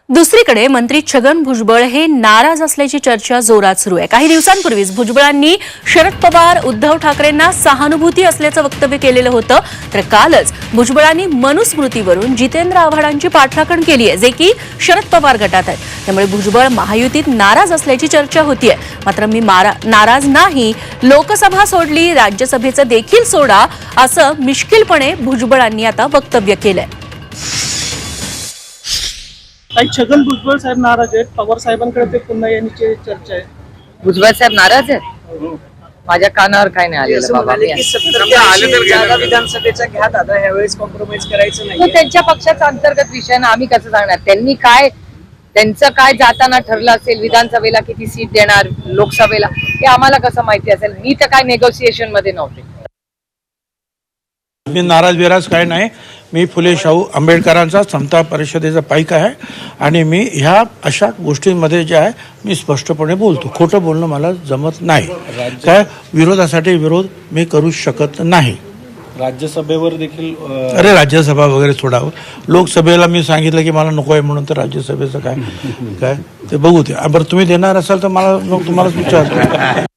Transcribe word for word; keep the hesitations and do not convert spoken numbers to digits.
दुसरीकडे मंत्री छगन भुजबळ हे नाराज असल्याची चर्चा जोरात सुरू आहे। काही दिवसांपूर्वीच भुजबळांनी शरद पवार उद्धव ठाकरेंना सहानुभूती असल्याचं वक्तव्य केलेलं होतं, तर कालच भुजबळांनी मनुस्मृतीवरून जितेंद्र आव्हाडांची पाठराखण केली आहे, जे की शरद पवार गटात आहेत। त्यामुळे भुजबळ महायुतीत नाराज असल्याची चर्चा होतीये। मात्र मी नाराज नाही, लोकसभा सोडली, राज्यसभेचं देखील सोडा, असं मिश्किलपणे भुजबळांनी आता वक्तव्य केलंय। काही छगन भुजबळ साहेब नाराज आहेत, पवार साहेबांकडे ते पुन्हा येण्याची चर्चा आहे। भुजबळ साहेब नाराज आहेत? माझ्या कानावर काय नाही आलेलं बाबा। विधानसभेचा घ्या दादा, ह्यावेळेस कॉम्प्रोमाइज करायचं नाही। त्यांच्या पक्षाचा अंतर्गत विषय ना, आम्ही कसं सांगणार? त्यांनी काय त्यांचं काय जाताना ठरलं असेल, विधानसभेला किती सीट देणार, लोकसभेला, हे आम्हाला कसं माहिती असेल? मी तर काय नेगोशिएशन मध्ये नव्हते। मी नाराज बिराज काय नाही। मी फुले शाहू आंबेडकरांचा समता परिषदेचा पाईक आहे आणि मी ह्या अशा गोष्टींमध्ये जे आहे मी स्पष्टपणे बोलतो। खोटं बोलणं मला जमत नाही। काय विरोधासाठी विरोध मी करू शकत नाही। राज्यसभेवर देखील अरे राज्यसभा वगैरे सोडावं, लोकसभेला मी सांगितलं की मला नको आहे म्हणून, तर राज्यसभेचं काय काय ते बघू ते। बरं तुम्ही देणार असाल तर मला मग तुम्हालाच विचारतो।